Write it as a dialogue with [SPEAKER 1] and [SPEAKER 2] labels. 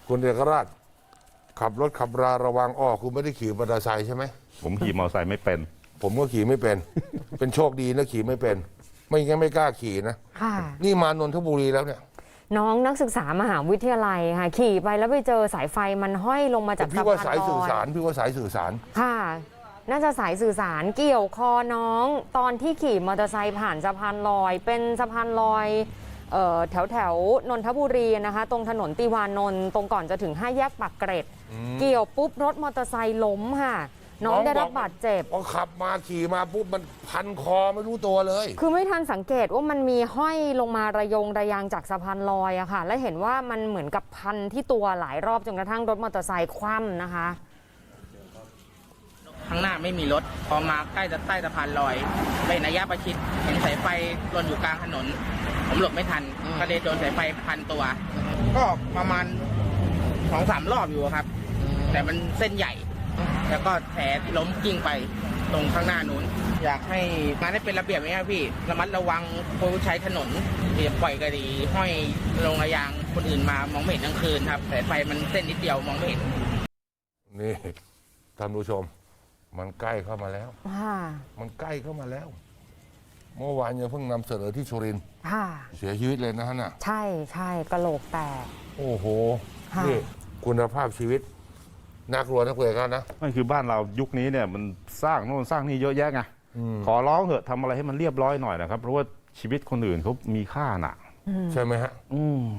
[SPEAKER 1] คุณเอกราชขับรถขับราระวังคุณไม่ได้ขี่มอเตอร์ไซค์ใช่ไหม
[SPEAKER 2] ผมขี่มอเตอร์ไซค์ไม่เป็น
[SPEAKER 1] ผมก็ขี่ไม่เป็น เป็นโชคดีนะขี่ไม่เป็น ไม่งั้นไม่กล้าขี่นะ
[SPEAKER 3] ค่ะ
[SPEAKER 1] นี่มานนทบุรีแล้วเนี่ย
[SPEAKER 3] น้องนักศึกษามหาวิทยาลัยค่ะขี่ไปแล้วไปเจอสายไฟมันห้อยลงมาจาก
[SPEAKER 1] พี่
[SPEAKER 3] สะ
[SPEAKER 1] ว่า
[SPEAKER 3] พาน
[SPEAKER 1] สาย
[SPEAKER 3] ล
[SPEAKER 1] สื่อ
[SPEAKER 3] อย
[SPEAKER 1] สารพี่ว่าสายสื่อสาร
[SPEAKER 3] ค่ะ น่าจะสายสื่อสารเกี่ยวคอน้องตอนที่ขี่มอเตอร์ไซค์ผ่านสะพานลอย เป็นสะพานลอยแถวนนทบุรีนะคะตรงถนนติวานนท์ตรงก่อนจะถึง5 แยกปากเกร็ด เกี่ยวปุ๊บรถมอเตอร์ไซค์ล้มค่ะ น้องได้รับบาดเจ็บ
[SPEAKER 1] พอขับมาขี่มาปุ๊บมันพันคอไม่รู้ตัวเลย
[SPEAKER 3] คือไม่ทันสังเกตว่ามันมีห้อยลงมาระยางจากสะพานลอยอะค่ะ และเห็นว่ามันเหมือนกับพันที่ตัวหลายรอบจนกระทั่งรถมอเตอร์ไซค์คว่ำนะคะ
[SPEAKER 4] ข้างหน้าไม่มีรถ พอมาใกล้สะพานลอยเป็นระยะประชิดเห็นสายไฟหล่นอยู่กลางถนน ผมหลบไม่ทันก็เลยโดนสายไฟพันตัว ก็ประมาณ2-3 รอบอยู่ครับ แต่มันเส้นใหญ่ แล้วก็แผลล้มกิ้งไปตรงข้างหน้านู้น อยากให้งานให้เป็นระเบียบไหมครับพี่ระมัดระวังผู้ใช้ถนนอย่าปล่อยกระดีห้อยลงระยางคนอื่นมามองไม่เห็นกลางคืนครับสายไฟมันเส้นนิดเดียวมองไม่เห็น
[SPEAKER 1] นี่ท่านผู้ชม มันใกล้เข้ามาแล้ว
[SPEAKER 3] ค่ะ
[SPEAKER 1] มันใกล้เข้ามาแล้ว เมื่อวานยังเพิ่งนำเสนอที่สุรินทร์
[SPEAKER 3] ค่ะ
[SPEAKER 1] เสียชีวิตเลยนะฮะน่ะ
[SPEAKER 3] ใช่กะโหลกแตก
[SPEAKER 1] โอ้โห
[SPEAKER 3] ค่ะ
[SPEAKER 1] นี่คุณภาพชีวิตน่ากลัวนะคุณเอกราชนะ
[SPEAKER 2] นั่นคือบ้านเรายุคนี้เนี่ยมันสร้างโน่นสร้างนี่เยอะแยะไงขอร้องเถอะทำอะไรให้มันเรียบร้อยหน่อยนะครับ เพราะว่าชีวิตคนอื่นเขามีค่าน่ะ
[SPEAKER 1] ใช่ไหมฮะ